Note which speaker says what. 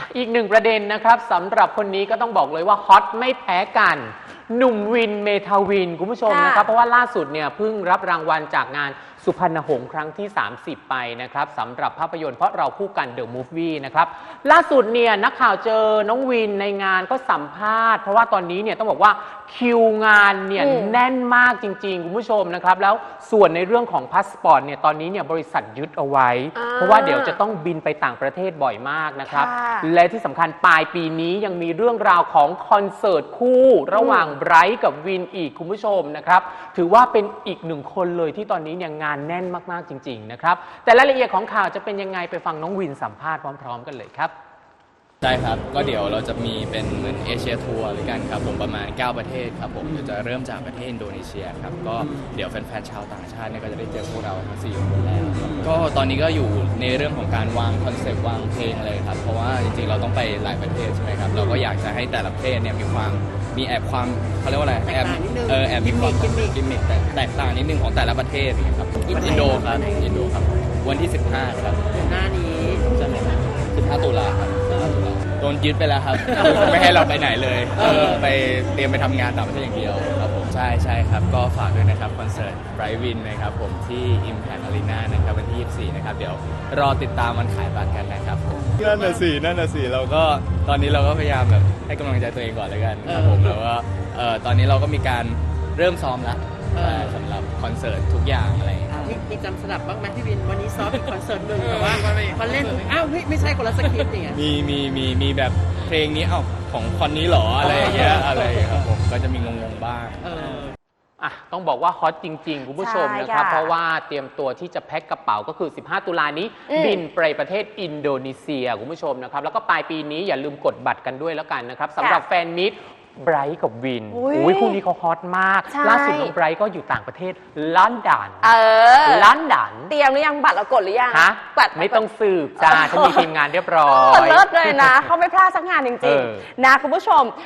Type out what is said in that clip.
Speaker 1: อีกหนึ่งประเด็นนะครับสำหรับคนนี้ก็ต้องบอกเลยว่าฮอตไม่แพ้กันหนุ่มวินเมทาวินคุณผู้ชมนะครับเพราะว่าล่าสุดเนี่ยเพิ่งรับรางวัลจากงานสุพรรณหงส์ครั้งที่ 30 ไปนะครับสำหรับภาพยนตร์เพราะเราคู่กัน The Movie นะครับล่าสุดเนี่ยนักข่าวเจอน้องวินในงานก็สัมภาษณ์เพราะว่าตอนนี้เนี่ยต้องบอกว่าคิวงานเนี่ยแน่นมากจริงๆคุณผู้ชมนะครับแล้วส่วนในเรื่องของพาสปอร์ตเนี่ยตอนนี้เนี่ยบริษัทยึดเอาไว้เพราะว่าเดี๋ยวจะต้องบินไปต่างประเทศบ่อยมากนะครับและที่สำคัญปลายปีนี้ยังมีเรื่องราวของคอนเสิร์ตคู่ระหว่างไบรท์กับวินอีกคุณผู้ชมนะครับถือว่าเป็นอีกหนึ่งคนเลยที่ตอนนี้เนี่ยงานแน่นมากๆจริงๆนะครับแต่รายละเอียดของข่าวจะเป็นยังไงไปฟังน้องวินสัมภาษณ์พร้อมๆกันเลยครับ
Speaker 2: ใช่ครับก็เดี๋ยวเราจะมีเป็นเหมือนเอเชียทัวร์ด้วยกันครับผมประมาณ9ประเทศครับผมจะเริ่มจากประเทศอินโดนีเซียครับก็เดี๋ยวแฟนๆชาวต่างชาติเนี่ยก็จะได้เจอพวกเราทั้ง4คนแล้วก็ตอนนี้ก็อยู่ในเรื่องของการวางคอนเซปต์วางเพลงเลยครับเพราะว่าจริงๆเราต้องไปหลายประเทศใช่ไหมครับเราก็อยากจะให้แต่ละประเทศเนี่ยมีแอบความเขาเรียกว่าอะไรแอบมีความกิมมิคแตกต่างนิดนึงของแต่ละประเทศนะครับอินโดครับวันที่15ครับ
Speaker 3: หน้านี้
Speaker 2: ใช่ไหม15 ตุลาครับโดนยึดไปแล้วครับ ไม่ให้เราไปไหนเลยไปเตรียมไปทำงานต่างประเทศอย่างเดียวครับผมใช่ครับก็ฝากด้วยนะครับคอนเสิร์ตไบรท์วินนะครับผมที่ Impact Arena นะครับวันที่24นะครับเดี๋ยวรอติดตามวันขายบัตรกันนะครับผมนั่นน่ะสิเราก็ตอนนี้เราก็พยายามแบบให้กำลังใจตัวเองก่อนเลยกันครับผมแล้วก็ตอนนี้เราก็มีการเริ่มซ้อมแล้วสำหรับคอนเสิร์ตทุกอย่างอะไร
Speaker 3: มีจำสลับบ้างไหมพี่วินวันนี้ซ้อมอีกคอนเสิร์ตหนึ่งแต่ว่าพอเล่นอ้าวไม่ใช่คนละสคริปต์อย่างเงี้ย
Speaker 2: มีแบบเพลงนี้ของคอนนี้หรออะไรอย่างเงี้ยอะไรครับผมก็จะมีงงๆบ้าง
Speaker 1: ต้องบอกว่าฮอตจริงๆคุณผู้ชมนะครับเพราะว่าเตรียมตัวที่จะแพ็คกระเป๋าก็คือ15 ตุลานี้บินไปประเทศอินโดนีเซียคุณผู้ชมนะครับแล้วก็ปลายปีนี้อย่าลืมกดบัตรกันด้วยแล้วกันนะครับสำหรับแฟนมิตรไบรท์กับวินคู่นี้เขาฮอตมากล่าสุดน้องไบรท์ก็อยู่ต่างประเทศลอนดอน
Speaker 4: เตรียมหรือยังบัตรเรากดหรือยัง
Speaker 1: บัตรไม่ต้องสืบจ้าฉันมีทีมงานเรียบร้อย
Speaker 4: เลิศเลยนะเขาไม่พลาดสักงานจริงๆนะคุณผู้ชม